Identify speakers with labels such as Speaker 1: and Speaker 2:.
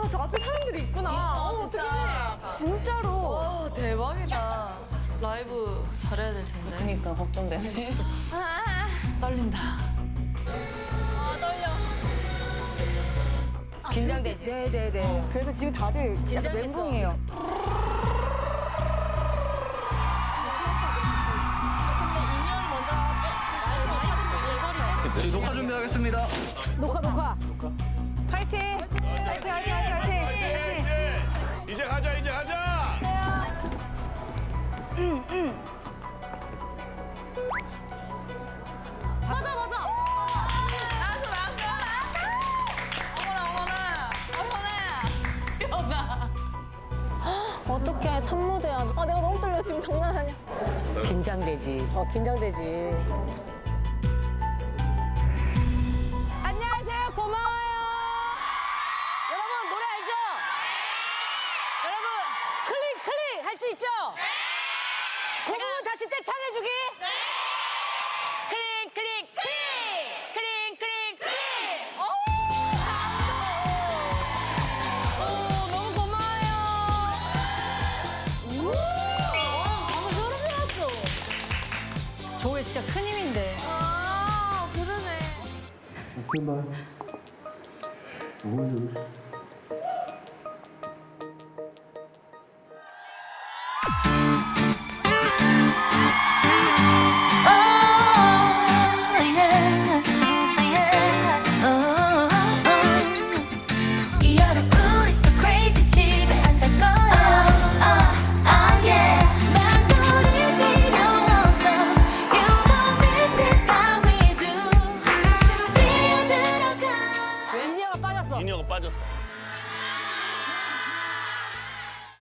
Speaker 1: 저 앞에 사람들이 있구나.
Speaker 2: 진짜.
Speaker 3: 진짜로.
Speaker 1: 와, 대박이다. 라이브 잘해야 될 텐데.
Speaker 2: 그러니까 걱정되네. 떨린다. 긴장되지?
Speaker 3: 네네네. 그래서 지금 다들 약간
Speaker 2: 긴장했어.
Speaker 3: 멘붕이에요.
Speaker 4: 저희 녹화 준비하겠습니다.
Speaker 3: 녹화. 파이팅! 파이팅!
Speaker 5: 이제 가자, 이제 가자.
Speaker 1: 맞아.
Speaker 6: 어떡해, 첫 무대야. 아, 내가 너무 떨려. 지금 장난 아니야.
Speaker 2: 긴장되지.
Speaker 6: 긴장되지.
Speaker 3: 안녕하세요. 고마워요.
Speaker 6: 여러분, 노래 알죠? 여러분, 클릭! 할 수 있죠? 고무 다칠 때 찬해주기?
Speaker 3: 너무 고마워요.
Speaker 6: 방금 소름 돋았어.
Speaker 2: 조회 진짜 큰 힘인데.
Speaker 3: 아, 그러네.
Speaker 7: 여러분 it's so crazy 집에 안 갈 거야 yeah 망설일 필요 없어 You know this is how we do 지어 들어가
Speaker 6: 인디아가 빠졌어.
Speaker 5: 인형가 빠졌어.